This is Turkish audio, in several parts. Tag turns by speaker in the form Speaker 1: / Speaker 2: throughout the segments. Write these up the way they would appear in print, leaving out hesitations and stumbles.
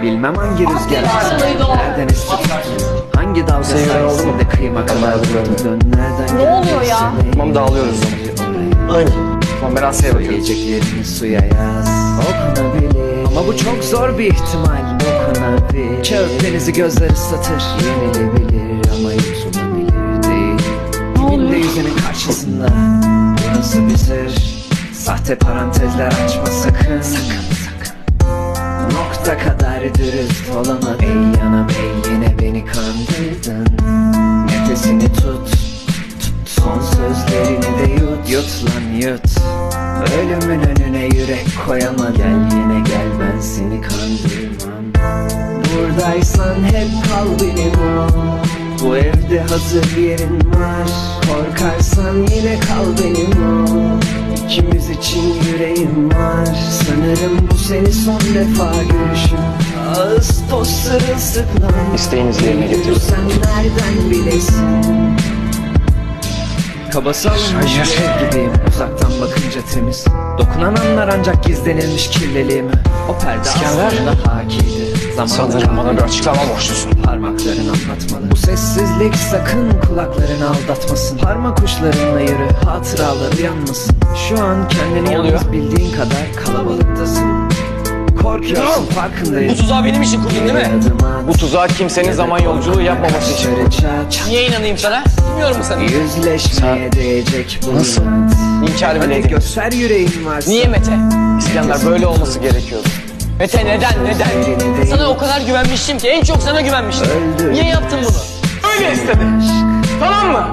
Speaker 1: Bilmem hangi rüzgar nereden esti tuttu, hangi dalga sayesinde kıyma kadar dön. Nereden
Speaker 2: Ne oluyor ya?
Speaker 3: Tamam, dağılıyoruz o zaman. Aynen. Tamam, ben Asya'ya bakıyorum.
Speaker 1: Söyleyeceklerini suya yaz, okunabilir. Ama bu çok zor bir ihtimal, dokunabilir. Kağıt denizi gözler ıslatır, yenilebilir ama yutulabilir değil. Dibinde yüzenin karşısında bu nasıl bir sır? Sahte parantezler açma sakın, sakın, sakın. Nokta kadar dürüst olamam. Ey yanam ey, yine beni kandırdın. Nefesini tut, son sözlerini de yut. Yut lan yut. Ölümün önüne yürek koyamam. Gel yine gel, ben seni kandırmam. Buradaysan hep kal benim ol. Bu evde hazır yerin var. Korkarsan yine kal benim ol. İkimiz için yüreğim var. Sanırım bu seni son defa görüşüm. Ağustos sırılsıklam.
Speaker 3: İsteğinizi yerine getirin.
Speaker 1: Sen nereden bilesin? Kaba salınmış bir gibiyim, uzaktan bakınca temiz. Dokunan anlar ancak gizlenilmiş kirliliğimi. O perde
Speaker 3: İskender,
Speaker 1: aslında hakiydi.
Speaker 3: sanırım bana bir açıklama borçlusun.
Speaker 1: Parmakların anlatmalı. Bu sessizlik sakın kulaklarını aldatmasın. Parmak uçlarınla yürü, hatıraları yanmasın. Şu an kendini
Speaker 3: Ne oluyor?
Speaker 1: yalnız bildiğin kadar kalabalıktasın. Korkuyorsun, farkındayım.
Speaker 3: Bu tuzağı benim için kurdun değil mi? Bu tuzağı kimsenin zaman yolculuğu yapmaması için.
Speaker 4: Niye inanayım sana? Bilmiyorum mu sana?
Speaker 1: Yüzleşmeye değecek bu
Speaker 3: Nasıl?
Speaker 1: hayat.
Speaker 3: İnkar bile
Speaker 1: Hadi
Speaker 3: edeyim.
Speaker 1: göster yüreğin varsa.
Speaker 4: Niye Mete?
Speaker 3: İskender, böyle olması gerekiyordu.
Speaker 4: Mete neden? Sana o kadar güvenmiştim ki, en çok sana güvenmiştim.
Speaker 1: Öldür.
Speaker 4: Niye yaptın bunu?
Speaker 3: Öyle istedi. Tamam mı?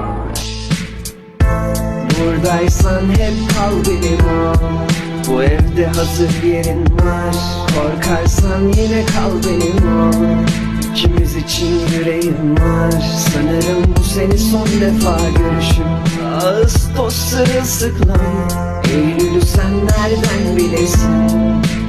Speaker 1: Buradaysan hep kal benim ol. Bu evde hazır yerin var. Korkarsan yine kal benim ol. İkimiz için yüreğim var. Sanırım bu seni son defa görüşüm. Ağustos sırılsıklam. Eylül'ü sen nereden bilesin?